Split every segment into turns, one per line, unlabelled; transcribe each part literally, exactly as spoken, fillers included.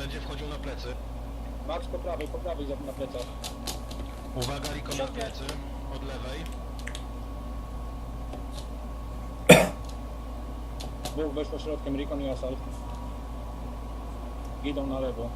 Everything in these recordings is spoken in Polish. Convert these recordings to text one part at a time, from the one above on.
Będzie wchodził na plecy.
Max po prawej, po prawej za- na plecach.
Uwaga, Riko na plecy. Od lewej.
Dwóch weszło środkiem, Rikon i Asal. Idą na lewo.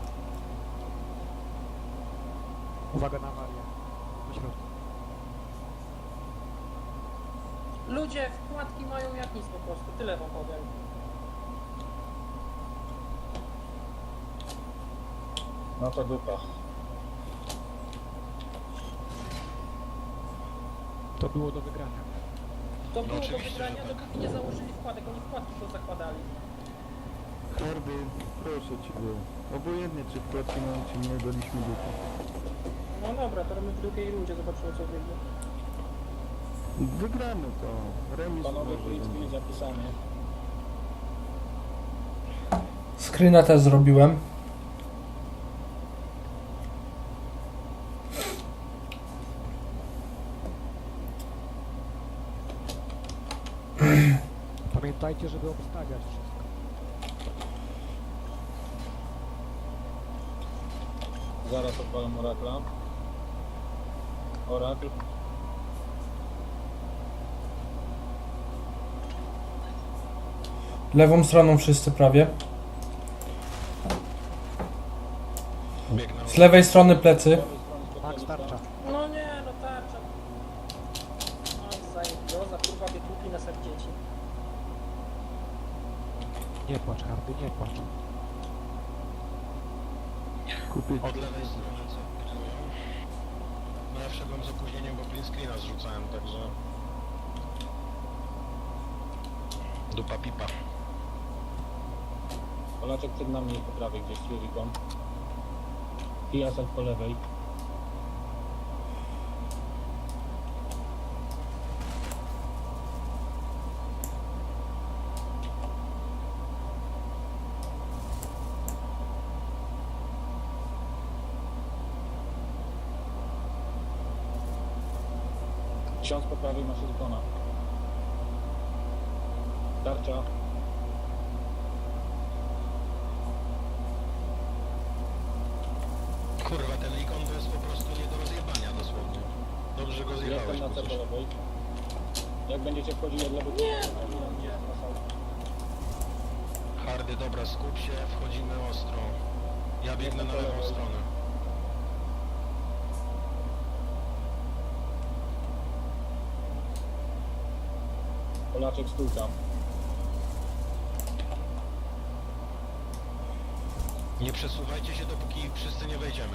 Uwaga na Marię. Do środka.
Ludzie wkładki mają jak nic po prostu, tyle wam powiem.
No to dupa.
To było do wygrania.
To było do
oczywiście,
wygrania,
że tak.
dopóki nie założyli wkładek, oni wkładki to zakładali.
Hardy, proszę ciebie. Obojętnie czy wkładki mamy czy nie, daliśmy dupę.
No dobra, to my w drugiej rundzie zobaczymy co wyjdzie.
Wygramy to. Remis
Panowie
może
Blitzkrieg
będzie.
zapisanie.
Screena też zrobiłem.
Pamiętajcie, żeby obstawiać wszystko.
Zaraz odpalam Orakla. Orakl.
Lewą stroną wszyscy prawie.
Biegnę.
Z lewej strony plecy.
Max tarcza.
No nie, no tarcza. No zajebioza, kurwa wytłukli nas jak dzieci.
Nie płacz, Hardy, nie płacz.
Kupię
Od lewej strony co pilnują. No ja wszedłem z opóźnieniem, bo print screena zrzucałem, także... Dupa pipa.
Polaczek przed nami po prawej gdzieś, Rikon. I Asal po lewej. Ksiądz po prawej ma Rikona. Tarcza.
Kurwa, ten Rikon to jest po prostu nie do rozjebania dosłownie. Dobrze, że go zjebałeś.
Jestem na C
przecież.
po lewej. Jak będziecie wchodzili od lewej...
Nie,
to
nie.
Hardy, dobra, skup się, wchodzimy ostro. Ja biegnę na lewą stronę.
Polaczek stójka.
Nie przesuwajcie się, dopóki wszyscy nie wejdziemy.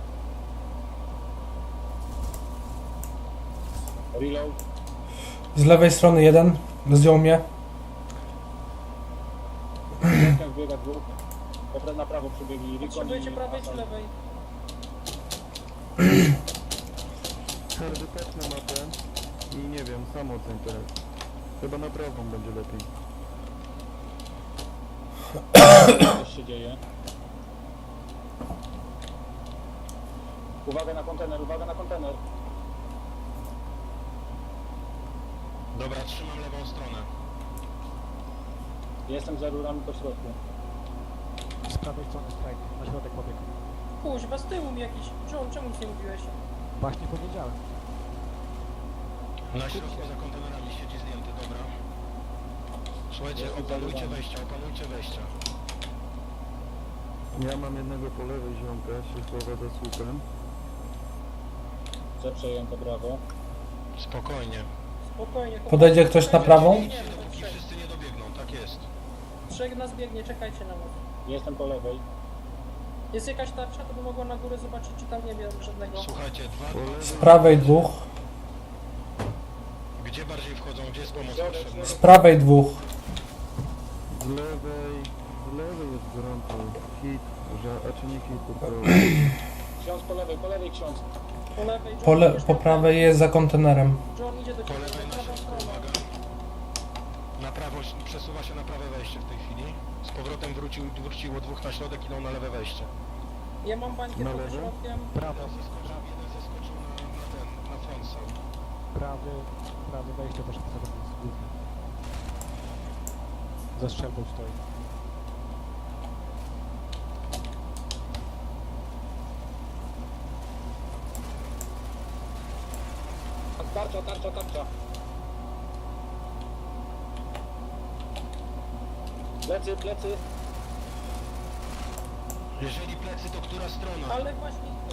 Reload.
Z lewej strony jeden. Zdjął mnie.
Jak biega dwóch. Popra- na prawo przebiegli Rikon
Potrzebujecie
i
prawej czy
Asal.
lewej?
Hardy patrz na mapę i nie wiem, sam ocen teraz. Chyba na prawą będzie lepiej.
Coś się dzieje. Uwaga na kontener, uwaga na kontener.
Dobra, trzymam lewą stronę.
Jestem za rurami po środku.
Z prawej strony strajk. Na środek pobiegł.
Kuźwa, z tyłu mi jakiś. John, czemu nic nie mówiłeś?
Właśnie powiedziałem.
Na środku za kontenerami siedzi zdjęty, dobra. Słuchajcie,
Jestem
opanujcie
zadowolony.
wejścia, opanujcie wejścia.
Ja mam jednego po lewej ziomka, się chowa za słupem.
C przejęte, brawo.
Spokojnie.
Spokojnie. chłopaki.
Podejdzie ktoś na prawą?
Nie,
Idźcie,
no,
dopóki
trzech.
wszyscy nie dobiegną, tak jest.
Trzech nas biegnie, czekajcie na nas.
Jestem po lewej.
Jest jakaś tarcza, to by mogła na górę zobaczyć, czy tam nie wiem żadnego.
Słuchajcie, dwa,
Po
dwa,
lewej.
Z prawej dwóch.
gdzie bardziej wchodzą, gdzie jest pomoc
Środek,
potrzebna?
Z prawej dwóch.
Z lewej, z lewej jest gorąco. Hit, że, a czy nie hit po prawej.
Ksiądz po lewej, po lewej ksiądz.
Po lewej, John,
Po, le
idziesz
po
na
prawej jest za kontenerem.
John idzie do
Po
ciebie,
lewej
na
na
prawą
środku,
stronę.
uwaga. Na prawo, przesuwa się na prawe wejście w tej chwili. Z powrotem wrócił, wróciło dwóch na środek, idą na lewe wejście.
Ja mam bańkę
Na
pod
lewo?
środkiem.
Prawo,
Jeden zeskoczył, jeden zeskoczył na, na ten, na frontsal.
prawy, prawy wejście też chce do nas głównie. Za strzelbą stoi.
Tarcza, tarcza, tarcza. Plecy, plecy.
Jeżeli plecy, to która strona?
Ale właśnie to.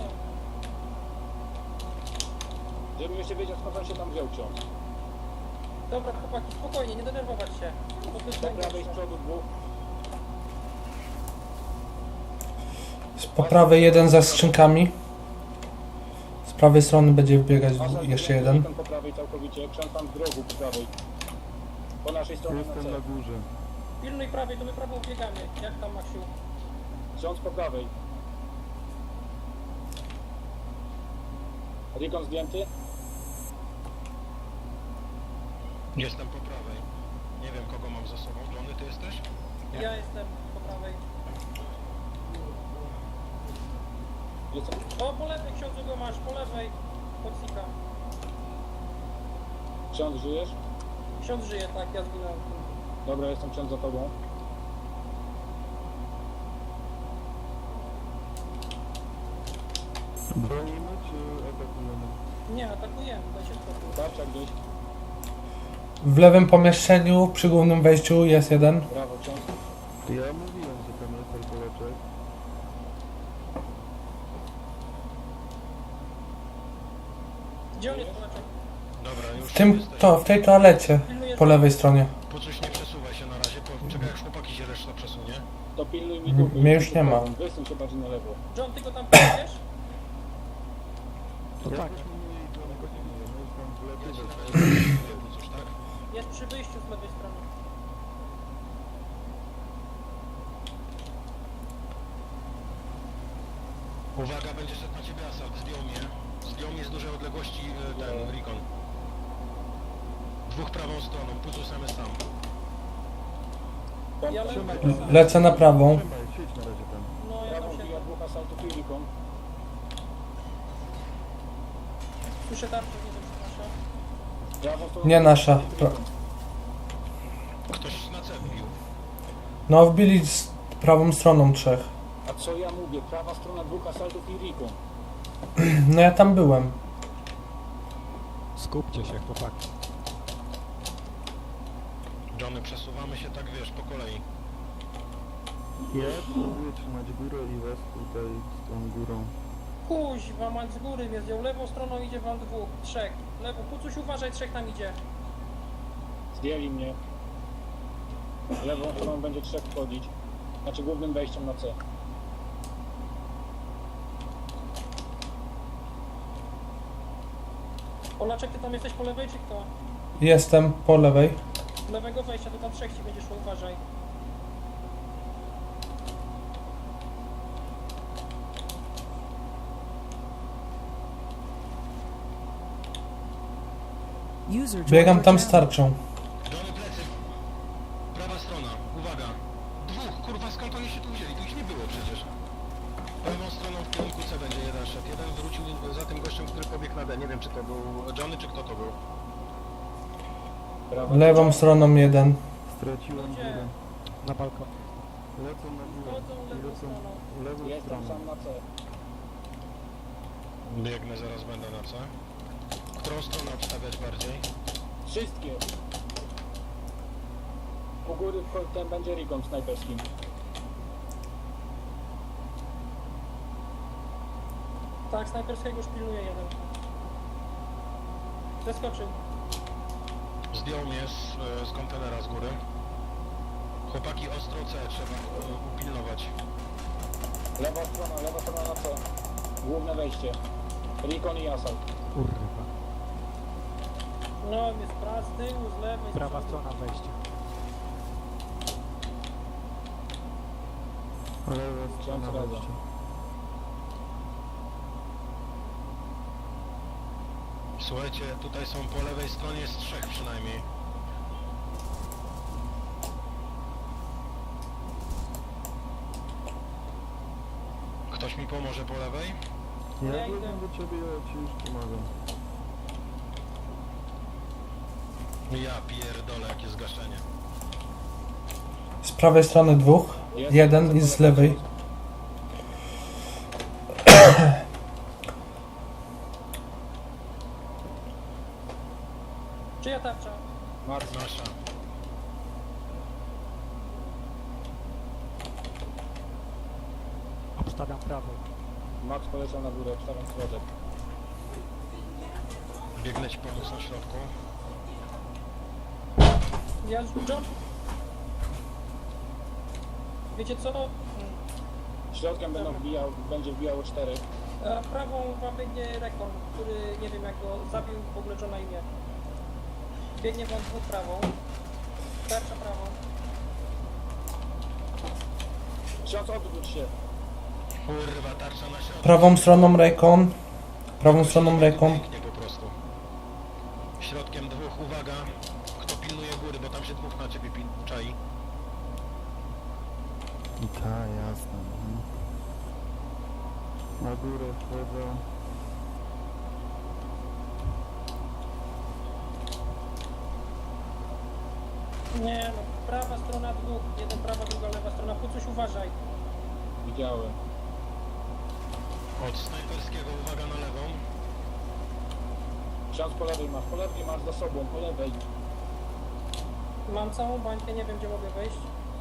Żebym jeszcze wiedział, skąd on się tam wziął ksiądz.
Dobra, chłopaki, spokojnie, nie denerwować się. Bo to jest
Po prawej z
najgorsze.
przodu dwóch.
Z po prawej jeden za skrzynkami. Z prawej strony będzie wbiegać
Asal
jeszcze
zdjęty,
jeden.
Rikon po prawej całkowicie. Ksiądz tam w rogu po prawej. Po naszej stronie na
Jestem
C.
na górze.
Pilnuj prawej, to my prawą biegamy. Jak tam, Maksiu?
Ksiądz po prawej. Rikon zdjęty.
Jestem po prawej. Nie wiem, kogo mam za sobą. Johnny, ty jesteś?
Ja jestem po prawej.
Jestem.
O, po lewej ksiądzu go masz, po lewej. Podsika.
Ksiądz, żyjesz?
Ksiądz żyje, tak, ja zginąłem.
Dobra, jestem ksiądz za tobą.
Bronimy czy atakujemy?
Nie, atakujemy, daj się spokój.
Tarcza gdzieś.
W lewym pomieszczeniu przy głównym wejściu jest jeden.
Brawo, ksiądz.
Ja mówiłem, że tam jest alkoholeczek.
Gdzie on jest, Polaczek?
Dobra, już
W tym,
jesteś.
to, w tej toalecie.
Pilnujesz?
Po lewej stronie.
Pucuś, nie przesuwaj się na razie. Po... Czekaj, jak chłopaki się reszta przesunie.
To pilnuj mi
M-
dupy.
mnie już nie ma.
Wysuń się bardziej na lewo.
John, ty go tam pilnujesz?
To
Ja
tak.
też mówię i to go nie mówię. No jest tam w lewo,
Jest
w
na
lewo.
razie Pucuś, tak?
Jest przy wyjściu z lewej strony.
Uwaga, będzie szedł na ciebie asalt. Zdjął mnie. Zdjął mnie z dużej odległości e, ten Rikon. Dwóch prawą stroną. Pucuś sam jest sam.
Tam
Ja
trzymaj
lewą.
go.
Lecę na prawą.
Trzymaj, siedź na razie tam.
No, ja
Prawą
tam
bija
siedzę.
dwóch asaltów i Rikon.
Słyszę tarczę, nie wiem, czy nasza.
Prawą stroną.
Nie nasza. Pra
Ktoś na C wbił.
no wbili z prawą stroną trzech.
A co ja mówię? Prawa strona dwóch asaltów i Rikon.
No ja tam byłem.
Skupcie się, chłopaki.
Johnny, przesuwamy się tak, wiesz, po kolei.
Ja próbuję trzymać górę i was tutaj z tą górą.
Kuźwa, mać z góry mnie zdjął. Lewą stroną idzie wam dwóch, trzech. Lewo, Pucuś, uważaj, trzech tam idzie.
Zdjęli mnie. Lewą stroną będzie trzech wchodzić. Znaczy głównym wejściem na C.
Polaczek, ty tam jesteś po lewej, czy kto?
Jestem po lewej.
Lewego wejścia, to tam trzech ci będzie szło, uważaj.
Biegam tam z tarczą.
Johnny, plecy. Prawa strona. Uwaga. Dwóch. Kurwa, skąd oni się tu wzięli? Tu ich nie było przecież. Lewą stroną w kierunku C będzie jeden szedł. Jeden wrócił za tym gościem, który pobiegł na D. Nie wiem, czy to był Johnny, czy kto to był.
Prawa.
Lewą stroną jeden.
Straciłem
Gdzie?
górę.
Na balkon.
Lecą na górę.
Wchodzą
I
lewą
lecą
stroną.
lewą
Jestem
stroną.
sam na C.
Biegnę, zaraz będę na C. Którą stronę obstawiać bardziej?
Wszystkie. U góry wcho- ten będzie Rikon snajperskim.
Tak, snajperskiego już pilnuje jeden. Zeskoczył.
Zdjął mnie z, e, z kontenera z góry. Chłopaki, ostro C trzeba e, upilnować.
Lewa strona, lewa strona na C. Główne wejście. Rikon i asalt.
Kurwa.
No, jest pra z tyłu, z lewej, z
Prawa
przodu.
strona wejścia.
Lewa strona
Ksiądz Radza.
wejścia.
Słuchajcie, tutaj są po lewej stronie z trzech przynajmniej. Ktoś mi pomoże po lewej?
Ja
Ja idę.
biegam do ciebie, ja ci już pomagam.
Ja pierdolę, jakie zgaszenie.
Z prawej strony dwóch.
Jest
Jeden i z lewej.
Obstawiam prawo.
Max poleciał na górę, obstawiam środek.
Biegnę ci pomóc na środku.
Ja jump. Wiecie co? Mm,
Środkiem będą wbijał, będzie wbijało cztery.
e, Prawą wam biegnie Rekon, który nie wiem jak go zabił, w ogóle co na imię. Biegnie wam dwóch prawą. Tarcza prawą.
Ksiądz, odwróć się.
Kurwa, tarcza na środku.
Prawą stroną Recon. Prawą stroną Recon.
Pięknie po prostu. Środkiem dwóch, uwaga. Kto pilnuje góry, bo tam się dwóch na ciebie pil- czai.
I ta, jasne. Mhm. Na górę wchodzę.
Nie no, prawa strona dwóch. Jeden prawa, druga lewa strona. Pucuś uważaj.
Widziałem.
Od snajperskiego, uwaga na lewą.
Ksiądz po lewej masz, po lewej masz za sobą, po lewej.
Mam całą bańkę, nie wiem gdzie mogę wejść.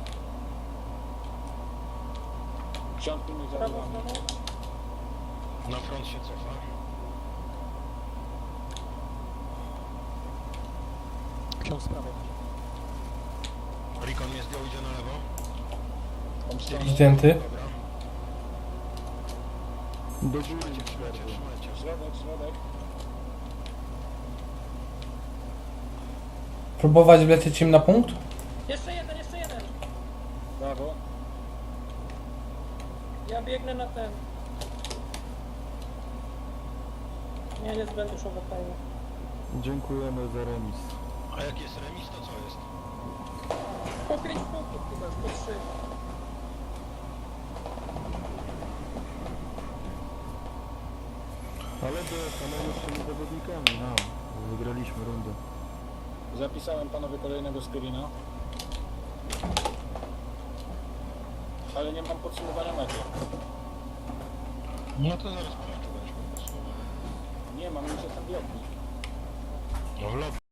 Ksiądz pilnuj za
Prawą
nami.
stroną.
Na front się cofa.
Ksiądz z prawej.
Rikon mnie zdjął, idzie na lewo.
Tą stroną.
Zdjęty.
Dobra.
Do góry
Trzymajcie, trzymajcie,
środek.
trzymajcie.
Środek, środek.
Próbować wlecieć im na punkt?
Jeszcze jeden, jeszcze jeden.
Brawo.
Ja biegnę na ten. Nie, nie zbędę już overtime.
Dziękujemy za remis.
A jak jest remis, to co jest?
Po pięć punktów chyba, po trzy.
Ale do samolotnymi zawodnikami, no. Wygraliśmy rundę.
Zapisałem panowie kolejnego screena. Ale nie mam podsumowania meczu.
No to zaraz sprawdzę, będziesz po prostu.
Nie mam, już jestem w lobby.
No w lobby.